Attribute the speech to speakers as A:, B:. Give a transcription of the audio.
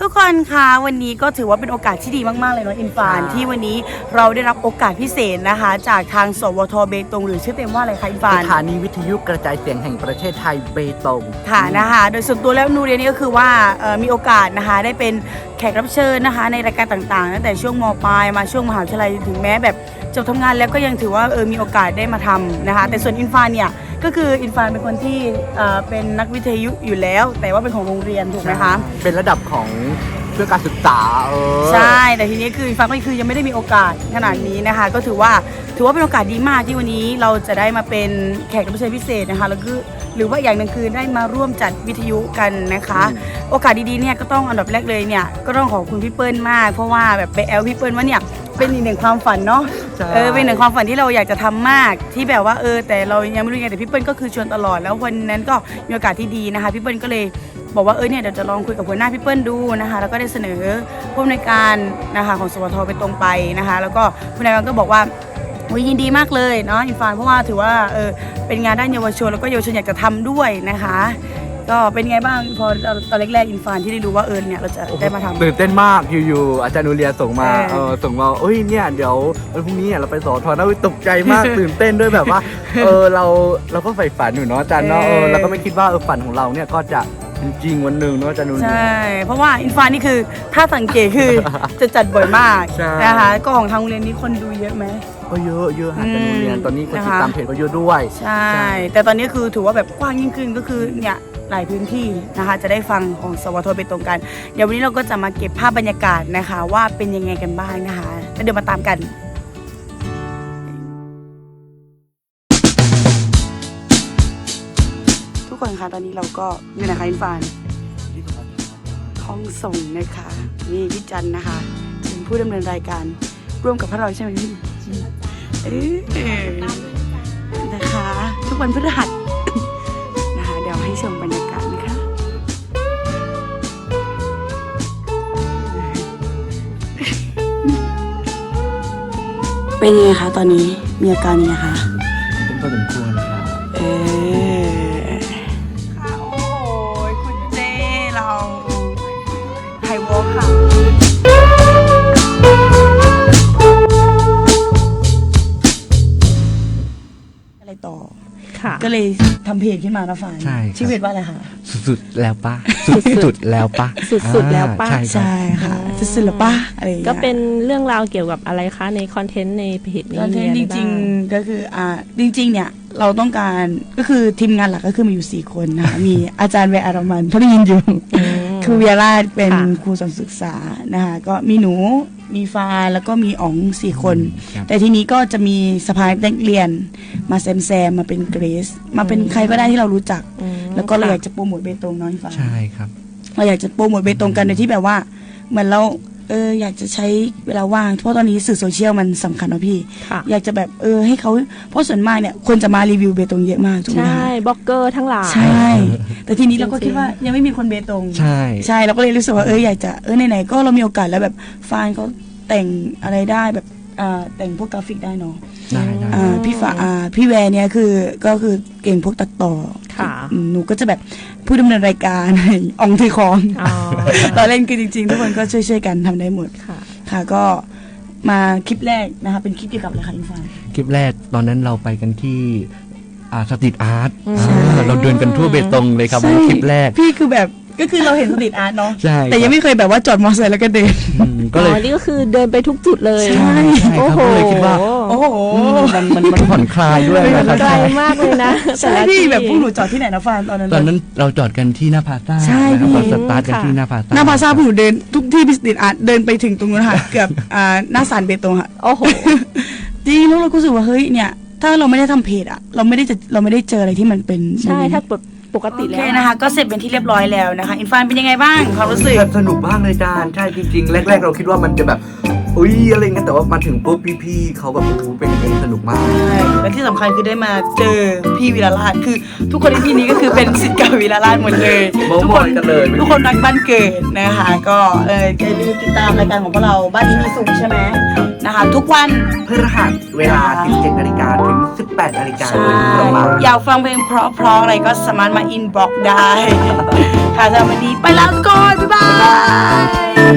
A: กคนคะวันนี้ก็ถือว่าเป็นโอกาสที่ดีมากๆเลยเนาะอินฟานที่วันนี้เราได้รับโอกาสพิเศษนะคะจากทางสวทเบตงหรือชื่อเต็มว่าอะไรคะอินฟาน
B: สถานีวิทยุกระจายเสียงแห่งประเทศไทยเบตง
A: ค่ะนะคะโดยส่วนตัวแล้วนูเรียนนี่ก็คือว่ามีโอกาสนะคะได้เป็นแขกรับเชิญนะคะในรายการต่างๆตั้งแต่ช่วงม.ปลายมาช่วงมหาวิทยาลัยถึงแม้แบบจบทำงานแล้วก็ยังถือว่ามีโอกาสได้มาทำนะคะแต่ส่วนอินฟานเนี่ยก็คืออินฟานเป็นคนที่เป็นนักวิทยุอยู่แล้วแต่ว่าเป็นของโรงเรียนถูกไหมคะ
B: เป็นระดับของเพื่อการศึกษา
A: ใช่แต่ทีนี้คืออินฟานก็คือยังไม่ได้มีโอกาสขนาดนี้นะคะก็ถือว่าเป็นโอกาสดีมากที่วันนี้เราจะได้มาเป็นแขกรับเชิญพิเศษนะคะแล้วก็หรือว่าอย่างหนึ่งคือได้มาร่วมจัดวิทยุกันนะคะโอกาสดีๆเนี่ยก็ต้องอันดับแรกเลยเนี่ยก็ต้องขอบคุณพี่เปิ้ลมากเพราะว่าแบบไปแอลพี่เปิ้ลว่าเนี่ยเป็นอีกหนึ่งความฝันเนาะเป็นหนึ่งความฝันที่เราอยากจะทำมากที่แบบว่าแต่เรายังไม่รู้ไงแต่พี่เปิ้ลก็คือชวนตลอดแล้ววันนั้นก็มีโอกาสที่ดีนะคะพี่เปิ้ลก็เลยบอกว่าเนี่ยเดี๋ยวจะลองคุยกับหัวหน้าพี่เปิ้ลดูนะคะแล้วก็ได้เสนอผู้อำนวยการนะคะของสวทไปตรงไปนะคะแล้วก็ผู้อำนวยการก็บอกว่ายินดีมากเลยเนาะอินฟานเพราะว่าถือว่าเป็นงานด้านเยาวชนแล้วก็เยาวชนอยากจะทำด้วยนะคะก็เป็นไงบ้างพอตอนแรกๆอินฟานที่ได้รู้ว่าเนี่ยเราจะได้มาทำ
B: ตื่นเต้นมากอยู่ๆอาจารย์นูเรียส่งมาเนี่ยเดี๋ยววันพรุ่งนี้เราไปสอทอนะตกใจมาก ตื่นเต้นด้วยแบบว่าเราก็ใฝ่ฝันอยู่เนาะอาจารย์เนาะเราก็ไม่คิดว่าฝันของเราเนี่ยก็จะจริงวันหนึ่งเนาะอาจารย์นูเรีย
A: ใช่เพราะว่าอินฟานนี่คือถ้าสังเกตคือจะจัดบ่อยมากนะคะก็ของทางโรงเรียนนี้คนดูเยอะไหม
B: ก็เยอะอาจารย์นูเรียนตอนนี้คนติดตามเพจก็เยอะด้วย
A: ใช่แต่ตอนนี้คือถือว่าแบบกว้างยิ่งขึ้นก็คือเนี่ยหลายพื้นที่นะคะจะได้ฟังของสวทไปตรงกันเดี๋ยววันนี้เราก็จะมาเก็บภาพบรรยากาศนะคะว่าเป็นยังไงกันบ้างนะคะแล้วเดี๋ยวมาตามกันทุกคนคะตอนนี้เราก็อยู่ไหนคะอินฟานห้องส่งนะคะนี่พี่จันนะคะเป็นผู้ดำเนินรายการร่วมกับพวกเราใช่ไหมพี่นะคะทุกวันพฤหัสนะคะเดี๋ยวให้ชมบรรยากาศนะคะเป็นยังไงคะตอนนี้มีอาการยังไงคะ
B: เป็นพอสมควรครับ
A: ค่ะโอ้โหคุณเจ้เราไฮวอล์คค่ะอะไรต่อก็เลยทำเพจขึ้นมานะฝ่ายชื่อเพจว่าอะไรคะ
B: สุดๆแล้วปะสุดๆแล้วปะ
C: สุดๆแล้วปะ
A: ใช่ค่ะสุดๆแล้วปะอะไร
C: ก็เป็นเรื่องราวเกี่ยวกับอะไรคะในคอนเทนต์ในเพจนี้
A: จริงๆก็คือจริงๆเนี่ยเราต้องการก็คือทีมงานหลักก็คือมีอยู่4คนนะคะมีอาจารย์เวอารมันเขาได้ยินอยู่ครูเวียราชเป็นครูสอนศึกษานะคะก็มีหนูมีฟ้าแล้วก็มีอ๋อง4คนแต่ทีนี้ก็จะมีสภานักเรียนมาแซมมาเป็นเกรซมาเป็นใครก็ได้ที่เรารู้จักแล้วก็เราอยากจะโปรโมทเบตงน้อยฟ้า
B: ใช่ครับ
A: เราอยากจะโปรโมทเบตงกันโดยที่แบบว่าเหมือนเราอยากจะใช้เวลาว่างเพราะตอนนี้สื่อโซเชียลมันสำคัญนะพี่อยากจะแบบให้เขาเพราะส่วนมากเนี่ยคนจะมารีวิวเบตงเยอะมากถูกไหม
C: ใช่บล็อกเกอร์ทั้งหลาย
A: ใช่แต่ทีนี้เราก็คิดว่ายังไม่มีคนเบตงใช่เราก็เลยรู้สึกว่าอยากจะไหนๆก็เรามีโอกาสแล้วแบบฟานเขาแต่งอะไรได้แบบแต่งพวกกราฟิกได้เนาะพี่แวร์เนี่ยก็คือเก่งพวกตัดต่อหนูก็จะแบบผู้ดำเนินรายการอองถือของตอนเล่นคือจริงๆทุกคนก็ช่วยกันทำได้หมดค่ะก็มาคลิปแรกนะคะเป็นคลิปเกี่ยวกับอะไรคะอินฟาน
B: คลิปแรกตอนนั้นเราไปกันที่สตรีทอาร์ตเราเดินกันทั่วเบตงเลยครับคลิปแรก
A: พี่คือแบบก็คือเราเห็นสตรีทอาร์ตเนาะแต่ยังไม่เคยแบบว่าจอดมอเตอร์ไซค์แล้วก็เดิน
C: ก็เลยนี่ก็คือเดินไปทุกจุดเลย
A: ใช่
C: โอ้โห
B: เลยคิดว่า
A: โอ้โห
B: มันผ่อนคลายด้วย
C: นะครับไกลมากเลยนะ
A: ใช่พี่แบบพวกหนูจอดที่ไหนนะฟานตอนนั้น
B: เราจอดกันที่หน้าพาซ่าเราสตาร์ทกันที่หน้าพาซ่า
A: พวกหนูเดินทุกที่สตรีทอาร์ตเดินไปถึงตรงนู้นค่ะเกือบหน้าศาลเบตงค่ะ
C: โอ้โห
A: จริงแล้วเราก็รู้สึกว่าเฮ้ยเนี่ยถ้าเราไม่ได้ทำเพจเราไม่ได้เจออะไรที่มันเป็น
C: ใช่ถ้าปกติแล้ว
A: นะคะก็เสร็จเป็นที่เรียบร้อยแล้วนะคะอินฟานเป็นยังไงบ้างความรู้สึก
B: สนุกมากเลยจานใช่จริงๆแรกๆเราคิดว่ามันจะแบบอะไรเงี้ยแต่ว่ามาถึงปุ๊บพี่ๆเขาแบบเป็นสนุกมาก
A: ใช่และที่สำคัญคือได้มาเจอพี่วีรราชคือทุกคนในที่นี้ก็คือเป็นศิษย์เก่าวีรราชหมดเลยทุกคนรักบ้านเกิดนะคะก็อย่าลืมติดตามรายการของพวกเราบ้านนี้มีสุขใช่ไหมนะคะ ทุกวัน
B: พฤหัสเวลา 17 นาฬิกาถึง 18 นาฬิกา
A: ใช่
B: โดยประมาณ
A: อยากฟังเพลงเพราะๆอะไรก็สามารถมาอินบ็อกได้ ค่ะสำหรับวันนี้ไปแล้วทุกคนบ๊ายบาย